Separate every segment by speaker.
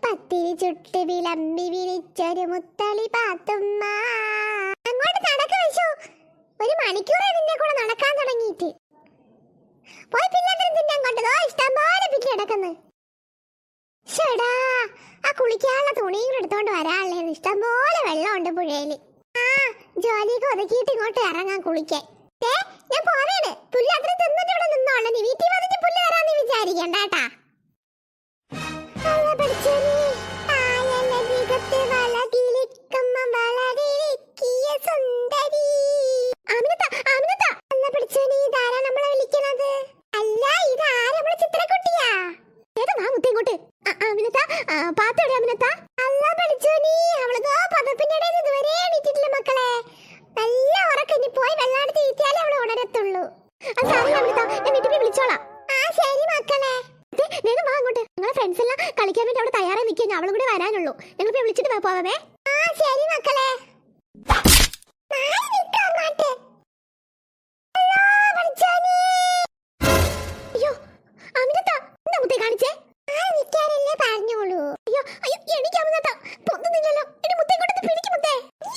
Speaker 1: പത്തിരി ചുട്ട് വിളമ്പി വിളിച്ചൊരു മുത്തളി പാത്തുമ്മ. അങ്ങോട്ട് നടക്ക വെച്ചു. ഒരു മണിക്കൂറായി നിന്നെ കൂടെ നടക്കാൻ തുടങ്ങിയിട്ട്. പോയി പിന്നെന്തിനും തിന്നാൻ കൊണ്ടതോ ഇഷ്ടം പോലെ പിറ്റി കിടക്കുന്നു. ഷടാ, ആ കുളിക്കാനുള്ള തുണിയും എടുത്തോണ്ട് വരാനുള്ളേ. ഇഷ്ടം പോലെ വെള്ളമുണ്ട് പുഴയില്. ആ ജോലിയൊക്കെ ഒതുക്കിയിട്ട് ഇങ്ങോട്ട് ഇറങ്ങാൻ കുളിക്കാൻ. ഞാൻ പോവേണ്. പുല്ല് അത്ര തിന്നിട്ട് ഇവിടെ നിന്നോളെ. നീ വീട്ടിൽ വന്നിട്ട് പുല്ല് തരാന്ന് വിചാരിക്കണ്ട കേട്ടാ. കളിക്കാൻ വേണ്ടി അവിടെ തയ്യാറായി നിൽക്കുക. അവളും കൂടെ വരാനുള്ളൂ. ഞങ്ങൾ വിളിച്ചിട്ട് പോവാമേ. ശരി മക്കളെ. അയ്യോ അമിനത്ത, എന്താ മുത്തേ കാണിച്ചേ? നിൽക്കാനല്ലേ പറഞ്ഞോളൂ. അയ്യോ അയ്യോ, എനിക്ക് അമിനത്ത പൊന്നുന്നില്ലല്ലോ. എടി മുത്തേ ഇങ്ങോട്ട് പിടിക്കും മുത്തേ.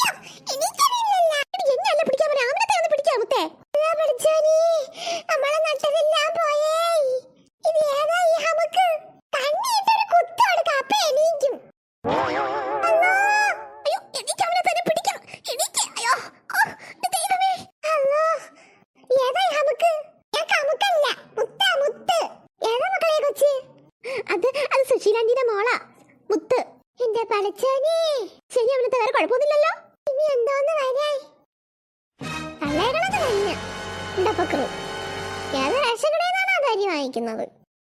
Speaker 1: എന്നല്ല പിടിക്കാൻ പറയാം. അമിനത്തെ ഒന്ന് പിടിക്കാം മുത്തേ. നമ്മളെ നട്ടതെല്ലാം പോയേ. ഇത് ഏതാ ഈ ഹമക്ക്? കണ്ണിട്ടൊരു കുത്ത് കൊടുക്ക, അപ്പൊ എണീക്കും. അയ്യോ എനിക്ക് അവനെ തന്നെ പിടിക്കണം. എനിക്ക് അയ്യോ ദൈവമേ. അല്ലോ ഏതാ ഈ ഹമക്ക്? ഞാൻ കമുക്കല്ല, മുത്ത മുത്ത്. ഏതാ മക്കളെ കൊച്ച്? അത് സുശീലാന്റിയുടെ മോളാ മുത്ത്. എന്റെ പടച്ചോനെ. ശരി, അവനത്തെ വേറെ കുഴപ്പമൊന്നുമില്ലല്ലോ. ഇനി എന്തോന്ന് വരാൻ തള്ളേകളത് തന്നെ ഉണ്ടപ്പക്രു. ഏത് രക്ഷകടേന്നാണ് ആ കാര്യം വാങ്ങിക്കുന്നത്.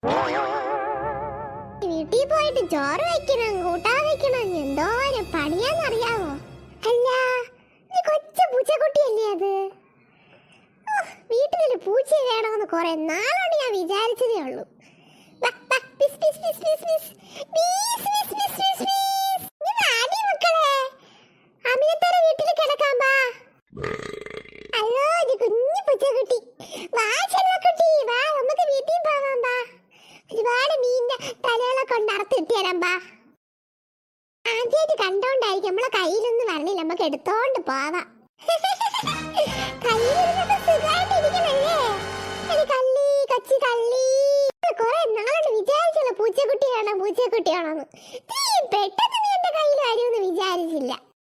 Speaker 1: വീട്ടിൽ പോയിട്ട് ചോറ് വെക്കണം, കൂട്ടാൻ വെക്കണം. എന്തോരം പണിയാന്നറിയാവോ? അല്ല, കൊച്ചു പൂച്ചക്കുട്ടിയല്ലേ അത്? വീട്ടിലൊരു പൂച്ച വേണമെന്ന് കുറെ നാളോട് ഞാൻ വിചാരിച്ചതേ ഉള്ളൂ. വീട്ടിൽ കിടക്കാൻ പാ. അല്ലോ ഒരു കുഞ്ഞു പൂച്ചക്കുട്ടി. വാ ചെല്ലക്കുട്ടി, വാ നമുക്ക് വീട്ടിൽ പോവാം. പാ, ഒരുപാട് മീനിന്റെ തലകളൊക്കെ കൊണ്ട് അറുത്തിട്ട് തരാം. പാ, ആദ്യമായിട്ട് കണ്ടോണ്ടായിരിക്കും നമ്മളെ കയ്യിലൊന്നും വരണില്ല. നമുക്ക് എടുത്തോണ്ട് പോവാം. കയ്യിലിരുന്നപ്പോ സുഖമായിട്ടിരിക്കണല്ലേ? കള്ളി കൊച്ചി കള്ളി. കൊറേ നാളോട് വിചാരിച്ചല്ലോ പൂച്ചക്കുട്ടിയാണോ പൂച്ചക്കുട്ടിയാണോന്ന്. പെട്ടെന്ന് നീ എന്റെ കയ്യിൽ വരുമെന്ന് വിചാരിച്ചില്ല.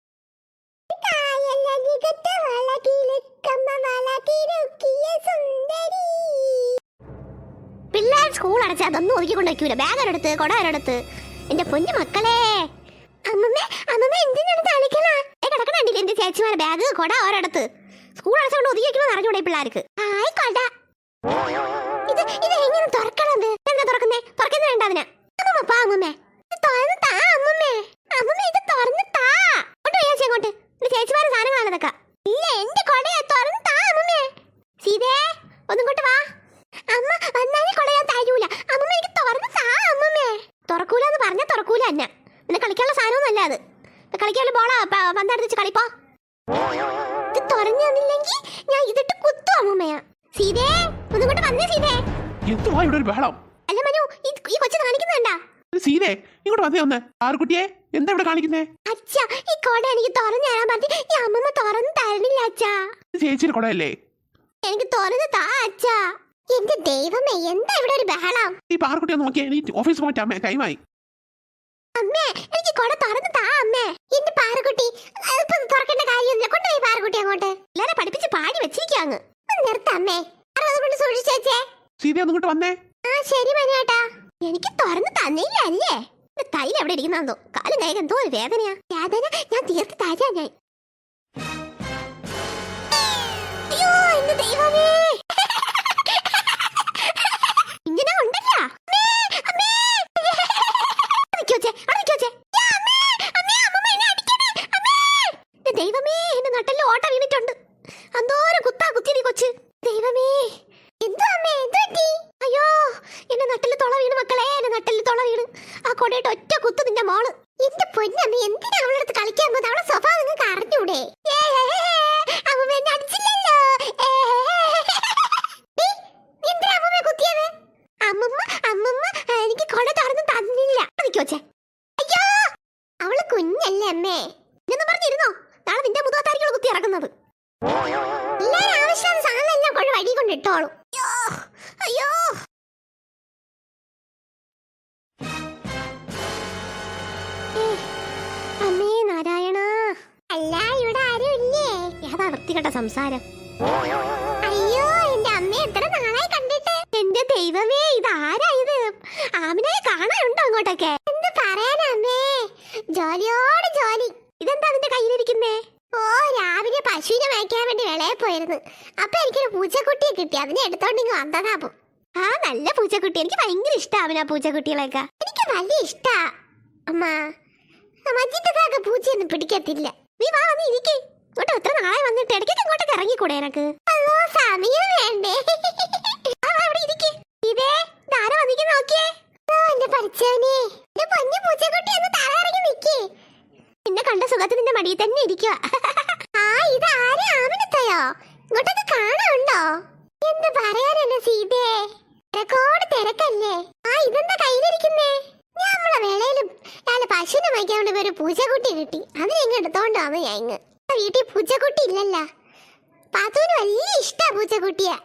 Speaker 1: പിള്ളേർ സ്കൂൾ അടച്ചാൽ അതൊന്നും ഒതുക്കിക്കൊണ്ട് വയ്ക്കൂല. ബാഗ് ഒരെടുത്ത് കൊട ഒരെടുത്ത്. എന്റെ പൊന്നു മക്കളെ. അമ്മമ്മ അമ്മമ്മ എന്തിനാണ് തളിക്കണ? കിടക്കണില്ല എന്റെ ചേച്ചിമാരെ ബാഗ് കൊട ഒരെടുത്ത്. സ്കൂൾ അടച്ചുകൊണ്ട് ഒതുക്കി വെക്കണമെന്ന് അറിഞ്ഞൂടെ പിള്ളേർക്ക്? ആയിക്കോട്ട. ഇത് ഇത് എങ്ങനെ തുറക്കണത്? എന്താ തുറക്കുന്നേ? തുറക്കുന്ന വേണ്ട അതിനാ. അമ്മമ്മ പാ അമ്മമ്മേ, തുറന്ന് താ അമ്മമ്മേ. അമ്മമ്മ ഇത് തുറന്ന് താ. കൊണ്ട് പോയാ അങ്ങോട്ട്. എന്റെ ചേച്ചിമാരെ സാധനങ്ങളാണ് ഇതൊക്കെ. ഇല്ല, എന്റെ കൊടയാ. തുറന്ന് താ അമ്മമ്മേ. സീതേ ഒന്നും കൊണ്ട് വാ. അമ്മ വന്നാലേ കൊട ഞാൻ തരൂല. അമ്മമ്മ എനിക്ക് തുറന്ന് താ അമ്മമ്മേ. തുറക്കൂലെന്ന് പറഞ്ഞാൽ തുറക്കൂല തന്നെ. പിന്നെ കളിക്കാനുള്ള സാധനമൊന്നും അല്ല അത്. കളിക്കാനുള്ള ബോളാ പന്തെടുത്ത് കളിപ്പോ. ഇത് തുറന്നു തന്നില്ലെങ്കിൽ ഞാൻ ഇതിട്ട് കുത്തും അമ്മമ്മയാ. സീതേ ഒന്നും കൊണ്ട് വന്നേ. സീതേ
Speaker 2: എന്തുവാ ഇവിടെ ഒരു ബഹളം?
Speaker 1: അല്ല മനു, ഈ കൊച്ചു കാണിക്കുന്നുണ്ടാ?
Speaker 2: സീതേ ഇങ്ങോട്ട് വന്നേ ഒന്ന്. ആർക്കുട്ടിയെ എന്താ ഇവിടെ കാണിക്കുന്നേ?
Speaker 1: അച്ഛാ, ഈ കൊട എനിക്ക് തുറന്നു തരാൻ പറഞ്ഞ് ഈ അമ്മമ്മ തുറന്നു തരണില്ല അച്ഛാ.
Speaker 2: ചേച്ചിയുടെ കൊടയല്ലേ?
Speaker 1: എനിക്ക് തുറന്ന് താ അച്ഛാ. എന്റെ ദൈവമേ, എന്താ ഇവിടെ ഒരു ബഹളം?
Speaker 2: ഈ പാർക്കുട്ടി ഒന്ന് നോക്കിയാ ഓഫീസ് പോയിട്ട് അമ്മേ ടൈമായി.
Speaker 1: അമ്മേ എനിക്ക് കൊട തുറന്ന് താ അമ്മേ. എന്റെ പാറക്കുട്ടി തുറക്കേണ്ട കാര്യമൊന്നുമില്ല. കൊണ്ടുപോയി പാറക്കുട്ടി അങ്ങോട്ട്. എല്ലാരെ പഠിപ്പിച്ച് പാടി വെച്ചിരിക്കാങ്ങ്. നിർത്തമ്മേ, കൊണ്ട് സൂക്ഷിച്ചേ.
Speaker 2: സീതേ ഒന്ന് ഇങ്ങോട്ട് വന്നേ.
Speaker 1: ശരി മനേട്ടാ. എനിക്ക് തുറന്ന് തന്നില്ല അല്ലേ? തൈല് എവിടെ ഇരിക്കുന്നോ? കാലും കൈ എന്തോ ഒരു വേദനയാ. വേദന ഞാൻ തീർത്ത് തരാ ഞാൻ. അയ്യോ എന്റെ ദൈവമേ, ഇങ്ങനെ ഉണ്ടല്ലോ. ദൈവമേ, എന്റെ നട്ടല് ഓട്ട വീണിട്ടുണ്ട്. അന്തോരം കുത്താ കുത്തിരി കൊച്ച്. ദൈവമേ, എന്തോ അമ്മേ എന്ത് പറ്റി? അയ്യോ എന്റെ നട്ടല് തുള വീണ് മക്കളെ. എന്റെ നട്ടല് തുള വീണ്. ആ കൊടയിട്ട് ഒറ്റ കുത്ത് നിന്റെ മോള്. എന്റെ പൊന്നമ്മ, എന്തിനാ അവളുടെ അടുത്ത് കളിക്കാൻ പോകുന്നത്? അവളെ സ്വഭാവം നിങ്ങൾക്ക് അറിഞ്ഞൂടെ? അമ്മ എന്നെ അടിച്ചില്ലല്ലോ. എന്തിനാ അമ്മമ്മ കുത്തിയത്? അമ്മമ്മ അമ്മമ്മ എനിക്ക് കൊട തുറന്ന് തന്നില്ല. നിൽക്കോച്ചേ. അവള് കുഞ്ഞല്ലേ അമ്മേ. ഇതൊന്നും പറഞ്ഞിരുന്നോ, നാളെ നിന്റെ മുതുകത്തായിരിക്കും കുത്തി ഇറക്കുന്നത്. എല്ലാരും ആവശ്യം സാധനം എല്ലാം കൊണ്ട് വഴി കൊണ്ട് ഇട്ടോളും. അയ്യോ അമ്മേ നാരായണ. അല്ല ഇവിടെ ആരും ഇല്ലേ? ഏതാ വൃത്തികെട്ട സംസാരം. അയ്യോ എന്റെ അമ്മ എത്ര നാളായി കണ്ടിട്ട്. എന്റെ ദൈവമേ, ഇതാരാ ഇത്? ആമിനെ കാണാനുണ്ടോ അങ്ങോട്ടൊക്കെ? എന്ത് പറയാനാ അമ്മേ, ജോലിയോട് ജോലി. ഇതെന്താ അതിന്റെ കയ്യിലിരിക്കുന്നേ? ഓ, രാവിലെ പശുവിനെ മേയ്ക്കാൻ വേണ്ടി വിളയെ പോയിരുന്നു. അപ്പൊ എനിക്കൊരു പൂച്ചക്കുട്ടിയെ കിട്ടി, അതിനെ എടുത്തോണ്ടിങ്ങ് വന്നതാ. ആ നല്ല പൂച്ചക്കുട്ടി, എനിക്ക് ഭയങ്കര ഇഷ്ടാവിനാ പൂച്ചക്കുട്ടികളൊക്കെ. എനിക്ക് വലിയ ഇഷ്ടാ അമ്മ. മജിന്റെ പൂച്ചയൊന്നും പിടിക്കത്തില്ല. നീ വാ, നീ ഇരിക്കേ. ഇങ്ങോട്ട് എത്ര നാളെ വന്നിട്ട് ഇടയ്ക്കൊക്കെ ഇങ്ങോട്ടൊക്കെ ഇറങ്ങിക്കൂടെ എനക്ക്? അയ്യോ സമയം വേണ്ടേ. ഇതേ ധാര വന്നിക്ക് നോക്കിയേ. എന്റെ പഠിച്ചവനെ, എന്റെ പൊന്നു പൂച്ചക്കുട്ടി ഒന്ന് തലയിറങ്ങി നിക്കേ. നിന്നെ കണ്ട സുഖത്ത് നിന്റെ മടിയിൽ തന്നെ ഇരിക്കുക. ആ ഇത് ആരെ? ആമിനത്തയോ? ഇങ്ങോട്ടൊക്കെ കാണാനുണ്ടോ? എന്ത് പറയാനാണ് സീതേ, തിരക്കോട് തിരക്കല്ലേ. ആ ഇതെന്താ കയ്യിലിരിക്കുന്നേ? നമ്മളെ വേളയിലും ഞാന് പശുവിനെ വയ്ക്കാൻ വേണ്ടി ഒരു പൂച്ചക്കുട്ടി കിട്ടി, അതിനെ ഇങ്ങ് എടുത്തോണ്ട് വന്നു ഞാൻ. ഇങ്ങ് വീട്ടിൽ പൂച്ചക്കുട്ടി ഇല്ലല്ല. പാത്തുവിന് വലിയ ഇഷ്ടാ പൂച്ചക്കുട്ടിയാ.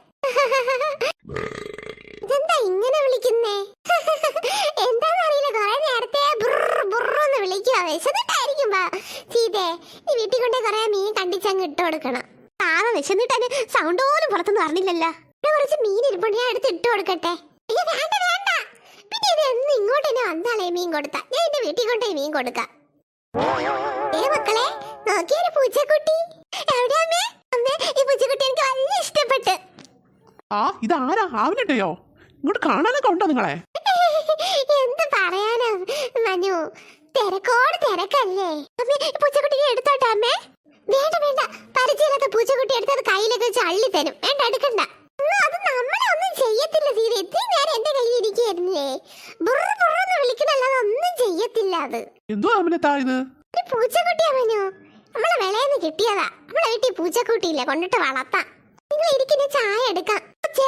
Speaker 1: ഇതെന്താ ഇങ്ങനെ വിളിക്കുന്നേ? എന്താന്നറിയില്ല, കുറെ നേരത്തെ ബുറന്ന് വിളിക്കുക. വിശന്നിട്ടായിരിക്കും സീതേ. നീ വീട്ടിൽ കൊണ്ടേ കുറെ മീൻ കണ്ടിച്ചങ്ങ് ഇട്ട് കൊടുക്കണം. പാവം വിശന്നിട്ട് സൗണ്ട് പോലും പുറത്തൊന്നും പറഞ്ഞില്ലല്ലോ. ഇവിടെ കുറച്ച് മീൻ ഇരിപ്പുണ്ട്, ഞാൻ എടുത്ത് ഇട്ട് കൊടുക്കട്ടെ? അയ്യോ വേണ്ട വേണ്ട, പിന്നെ ഇത് എന്ന് ഇങ്ങോട്ട് തന്നെ വന്നാലേ മീൻ കൊടുത്താ ഞാൻ എന്റെ വീട്ടിൽ കൊണ്ടേ മീൻ കൊടുക്കാം. മക്കളെ നോക്കിയൊരു പൂച്ചക്കുട്ടി. എവിടെയാ അമ്മേ? അമ്മേ ഈ പൂച്ചക്കുട്ടി എനിക്ക് വലിയ ഇഷ്ടപ്പെട്ട്.
Speaker 2: ആ ഇതാരാ? ആവിനട്ടയോ? ഇങ്ങോട്ട് കാണാനൊക്കെ ഉണ്ടോ നിങ്ങളെ?
Speaker 1: എന്ത് പറയാനാ മനു, തിരക്കോട് തിരക്കല്ലേ. അമ്മേ പൂച്ചക്കുട്ടിയെ എടുത്തോട്ടെ അമ്മേ? വേണ്ട വേണ്ട, പരിചയമില്ലാത്ത പൂച്ചക്കുട്ടി എടുത്തത് കയ്യിലൊക്കെ വെച്ച് അള്ളി തരും. വേണ്ട എടുക്കണ്ട. അത് നമ്മളെ ഒന്നും ചെയ്യത്തില്ല സീത. ഇത്രയും നേരം എന്റെ കയ്യിൽ ഇരിക്കുകയായിരുന്നില്ലേ. ബുറന്ന് വിളിക്കണല്ലാതെ ഒന്നും ചെയ്യത്തില്ല അത്.
Speaker 2: എന്തോ ആമിനത്താ ഇത്?
Speaker 1: പൂച്ചക്കുട്ടിയാ മനു, നമ്മളെ വിളയെന്ന് കിട്ടിയതാ. നമ്മളെ വീട്ടിൽ പൂച്ചക്കുട്ടിയില്ല, കൊണ്ടിട്ട് വളർത്താം. നിങ്ങൾ ഇരിക്കുന്ന ചായ എടുക്കാം.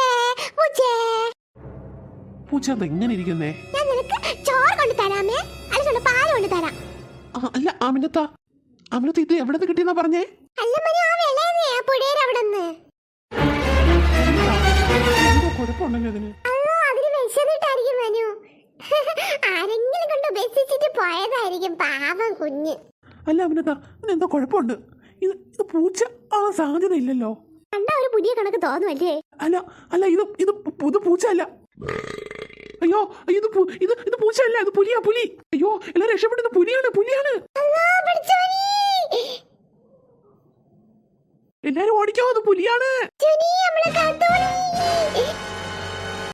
Speaker 2: പൂച്ച എന്താ ഇങ്ങനെ ഇരിക്കുന്നേ?
Speaker 1: ഞാൻ നിനക്ക് ചോറ് കൊണ്ട് തരാമേ, അല്ലെങ്കിൽ പാല് കൊണ്ട് തരാം.
Speaker 2: അല്ല ആമിനത്ത, ആമിനത്ത ഇത് എവിടെ നിന്ന് കിട്ടിയെന്നാ പറഞ്ഞേ?
Speaker 1: അല്ല മനു, ആ വിളയെന്നേ, ആ പുഴയുടെ അവിടെ നിന്ന്.
Speaker 2: കുഴപ്പമുണ്ടല്ലോ അതിന്.
Speaker 1: അയ്യോ അതിന് വിശന്നിട്ടായിരിക്കും മനു. ആരെങ്കിലും കൊണ്ട് ഉപേക്ഷിച്ചിട്ട് പോയതായിരിക്കും, പാവം കുഞ്ഞ്.
Speaker 2: അല്ല ആമിനത്ത, ഇതിനെന്തോ കുഴപ്പമുണ്ട്. ഇത് പൂച്ച ആ സാധ്യത ഇല്ലല്ലോ.
Speaker 1: കണ്ടാ ഒരു പുതിയ കണക്ക് തോന്നുമല്ലേ?
Speaker 2: അല്ല അല്ല, ഇത് പൂച്ച അല്ല. അയ്യോ ഇത് പൂച്ച അല്ല, ഇത് പുലിയാ, പുലി. അയ്യോ എല്ലാരും രക്ഷപ്പെടുന്നത് പുലിയാണ്, പുലിയാണ്. എല്ലാരും ഓടിക്കോ, അത് പുലിയാണ്.